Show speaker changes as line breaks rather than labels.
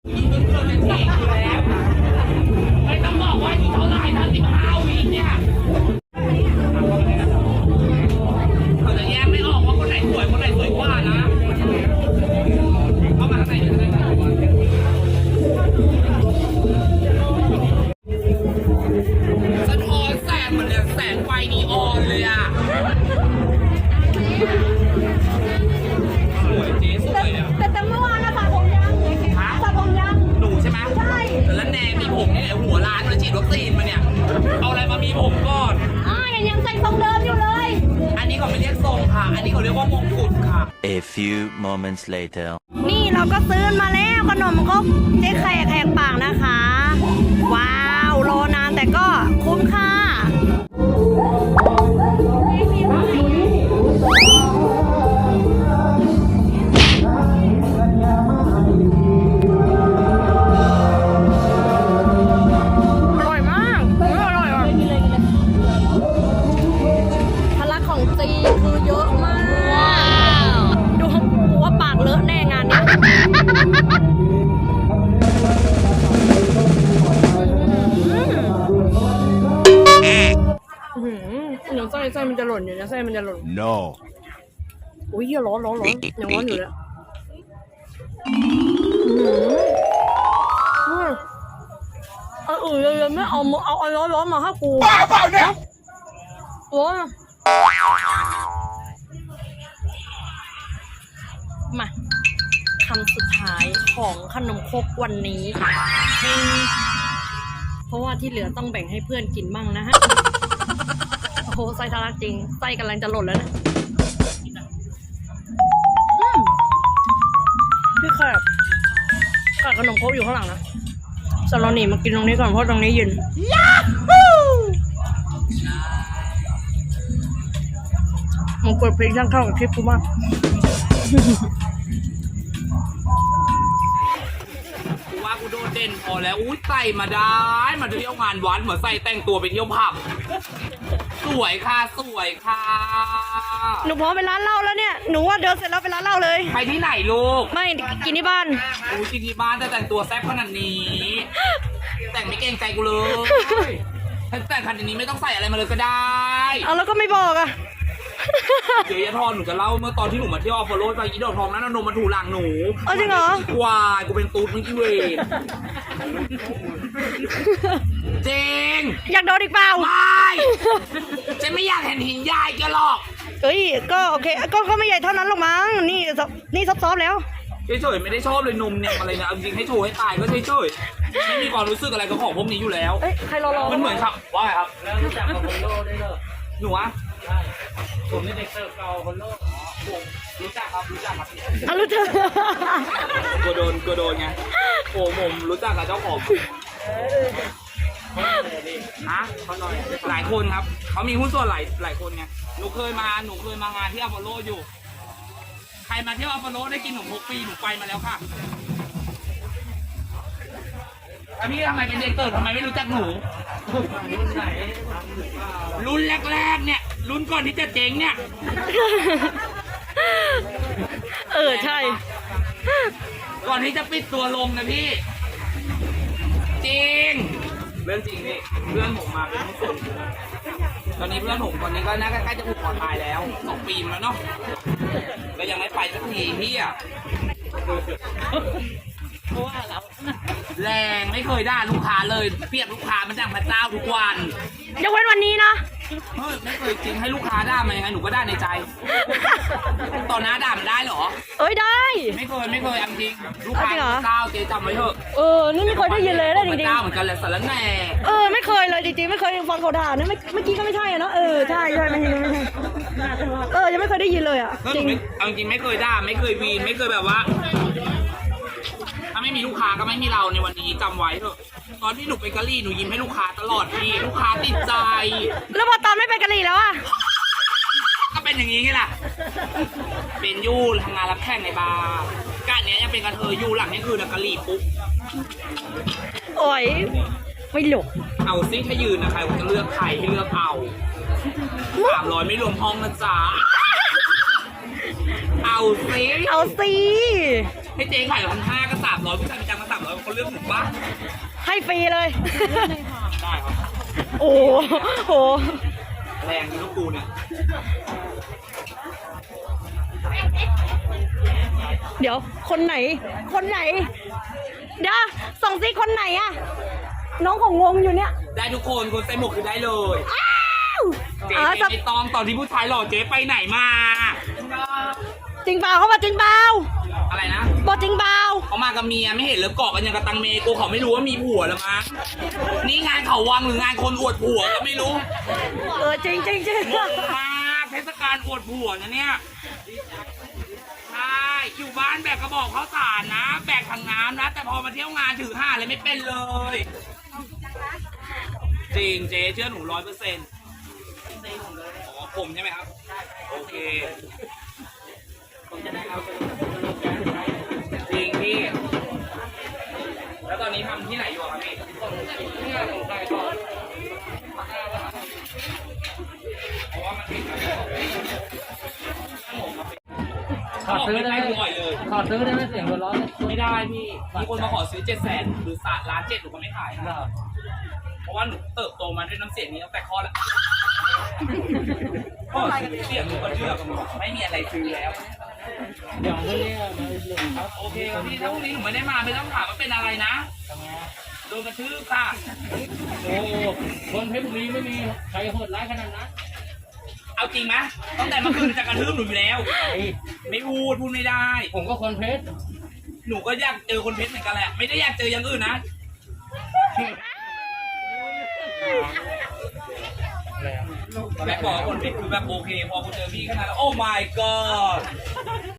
ไม่ต้องบอกว่าอยู่เท่าไหร่นะ15 วิเนี่ยเขาจะแยกไม่ออกว่าคนไหนสวยคนไหนสวยกว่านะเข้ามาข้างในสะท้อนแสงเหมือนแสงไฟนีออนเลยอ่ะสวยเจ๊สวยเนี่ย
แต่เมื่อวานนะสระผมยังสระผมยัง
หนูใช่ไหม
ใช่
แล้วแนมีผมนี่หัวล้านมาฉีดวัคซีนมาเนี่ยเอาอะไรมามีผมก่อน
ยังใส่ทรงเดิมอยู่เลย
อันนี้เขาไม่เรียกทรงค่ะอันนี้เขาเรียกว่ามงกุฎค่ะ
A few moments later
นี่เราก็ซื้อมาแล้วขนมครกเจ๊แขกแหกปากนะคะว้าวรอนานแต่ก็คุ้มค่าไส้มันจะหล่นอยู่นะไส้มันจะหล่น
No
อุ้ยร้อนยังร้อนอยู่เลยเลยไม่เอาร้อนมาให้กูเปล่าเนี่ยร้อนมาคำสุดท้ายของขนมครกวันนี้เพราะว่าที่เหลือต้องแบ่งให้เพื่อนกินบ้างนะฮะโอ้โหไส้ทะลักจริงไส้กำลังจะหล่นแล้วนะพี่แขกขนมครกอยู่ข้างหลังนะส่วนเราหนีมากินตรงนี้ก่อนเพราะตรงนี้เย็นยาฮูมันกดเพลงช่างเข้ากับคลิปกูมาก
กูว่ากูโดดเด่นพอแล้วอุ้ยใส่มาได้มาเที่ยวงานวัดเหมือนใส่แต่งตัวไปเที่ยวผับสวยค่ะ
หนูพร้อมไปร้านเหล้าแล้วเนี่ยหนูว่าเดินเสร็จแล้วไปร้านเหล้าเลย
ไปที่ไหนลูก
ไม่กินที่บ้าน
กินที่บ้านแต่งตัวแซ่บขนาดนี้แต่งไม่เกรงใจกูเลยแต่งขนาดนี้ไม่ต้องใส่อะไรมาเลยก็ได้
เอาแล้วก็ไม่บอกอ่ะ
เดี๋ยวยาทอนหนูจะเล่าเมื่อตอนที่หนูมาเที่ยวอพอลโลไปอีดอกทองนั้นนมมาถูหลังหนู
จริงเหรอ
วายกูเป็นตูดมึงอีเวนจริง
อยากโดนอีกเปล่า
ไม่ฉันไม่อยากเห็นหินใหญ่แกหรอก
ก็โอเคก็ไม่ใหญ่เท่านั้นหรอกมั้งนี่ซอฟๆแล้ว
เฉยๆไม่ได้ชอบเลยนมเนี่ยอะไรเนี่ยจริงให้โชว์ให้ตายก็เฉยๆไม่มีความรู้สึกอะไรกับของพวกนี้อยู่แล้ว
ใครรอ
มันเหมือนครับว่าไงครับแล้วรู้จักกับคนโลได้เลยหนูอะใช่ผมนี่เด็กเสิร์ฟเก่าคนโลผมรู้จักครับรู้จักกโดนไงผมรู้จักกับเจ้าของฮะเขาหน่อยหลายคนครับเขามีหุ้นส่วนหลายคนไงหนูเคยมางานที่อพอลโลอยู่ใครมาเที่ยวอพอลโลได้กินขนมครกฟรีหนูไปมาแล้วค่ะพี่ทำไมเป็นเด็กเติร์ดทำไมไม่รู้จักหนูรุ่นไหนรุ่นแรกๆเนี่ยรุ่นก่อนที่จะเจ๊งเนี่ย
ใช่
ก่อนที่จะปิดตัวลงนะพี่จริงเรื่องจริงนี่เพื่อนผมมาเป็นผู้ส่งตอนนี้เพื่อนผมตอนนี้ก็น่าใกล้จะผูกคอตายแล้ว2 ปีแล้วเนาะก็ยังไม่ไปสักทีพี่อะเพราะว่าเราแรงไม่เคยด่าลูกค้าเลยเปรียบลูกค้ามันดังพระเจ้าทุกวัน
ยกเว้นวันนี้นะ
ไม่เคยจริงให้ลูกค้าด่ามายังไงหนูก็ด่าในใจต่อหน้าด่ามันได้เหรอ
ได้
ไม่เคยจริงลูกค้าเจ้าเจ๊จำไว้เถอะ
นี่ไม่เคยได้ยินเลยนะจริงๆ
เจ้าเหมือนกันแหละสารแหน่
ไม่เคยเลยจริงๆไม่เคยฟังเขาด่านะเมื่อกี้ก็ไม่ใช่เนาะใช่ไม่ใช่ยังไม่เคยได้ยินเลยอ่ะ
จริงจริงไม่เคยด่าไม่เคยวีนไม่เคยแบบว่าถ้าไม่มีลูกค้าก็ไม่มีเราในวันนี้จำไว้เถอะตอนที่หนูไปกะหรี่หนูยิ้มให้ลูกค้าตลอดพี่ลูกค้าติดใจ
แล้วพอตอนไม่ไปกะหรี่แล้วอะ
ก็เป็นอย่างนี้ไงล่ะเป็นยูทำงานรับแขกในบาร์การเนี้ยยังเป็นกระเทยยูหลังนี่คือกะหรี่ปุ๊บ
ไม่หลบ
เอาซิให้ยืนนะใครจะเลือกใครให้เลือกเอา300ไม่รวมห้องนะจ๊ะเอาซิ
ให้เจ๊
ขาย1,500ก็300ผู้ชายมีจังมา300 เลือกผมปะ
ให้ฟรีเลย
ได้ครับ
โอ้โห
แรงมีลูกปูเนี่ย
เดี๋ยวคนไหน คนไหน เดี๋ยวส่งซิคนไหนอะน้องของงงอยู่เนี่ย
ได้ทุกคนคนใส่หมวกคือได้เลย
อ้าว
เจ๊
จะ
ไม่ต้องตอนที่ผู้ชายหล่อเจ๊ไปไหนมา
จริงเปล่าเขาบอกจริงเปล่า
อะไรนะ
บอกจริงเปล่า
เขามากับเมียไม่เห็นเลยเกาะกันอย่างกับตังเมกูเขาไม่รู้ว่ามีผัวแล้วมั้งนี่งานเขาวังหรืองานคนอวดผัวก็ไม่รู้
จริงจริงจริง
งงมากเทศกาลอวดผัวนะเนี่ยใช่อยู่บ้านแบกกระบอกข้าวสารนะ แบกถังน้ำนะ แต่พอมาเที่ยวงานถือห่าเลยไม่เป็นเลย จริงเจ๊เชื่อหนู100%อ๋อผมใช่ไหมครับ โอเคจริงพี่ แล้วตอนนี้ทำที่ไหนอยู่ครับพี่เพราะว่ามันติด
ขอซื้อได้ไหม
บ่อยเลย
ขอซื้อได้ไหมเสียงหัวเร้อน
ไม่ได้พี่ มีคนมาขอซื้อ700,000หรือ1,700,000หนูก็ไม่ขายนะ เพราะว่าหนูเติบโตมาด้วยน้ำเสียงนี้ตั้งแต่คลอดแล้วก็เสียงหนูก็เชื่อกับหนูไม่มีอะไรซื้อแล้ว
เดี๋ยวพรุ่งนี้มาหลุมครับ
โอเคครับพี่ถ้าพรุ่งนี้หนูไม่ได้มาไม่ต้องถามว่าเป็นอะไรนะ
ทำไง
โดนกระทืบค่ะ
โอ้คนเพชรบุรีไม่มีใครโหดร้ายขนาดนั้น
เอาจริงไหมตั้งแต่เมื่อคืนจะกระทืบหนูอยู่แล้ว ไม่พูดไม่ได้
ผมก็คนเพชร
หนูก็อยากเจอคนเพชรเหมือนกันแหละ ไม่ได้อยากเจออย่างอื่นนะ
แล้ว
แม่บอกว่าคนเพชรคือแบบโอเค พอกูเจอพี่ขนาดนั้นโอ้ my god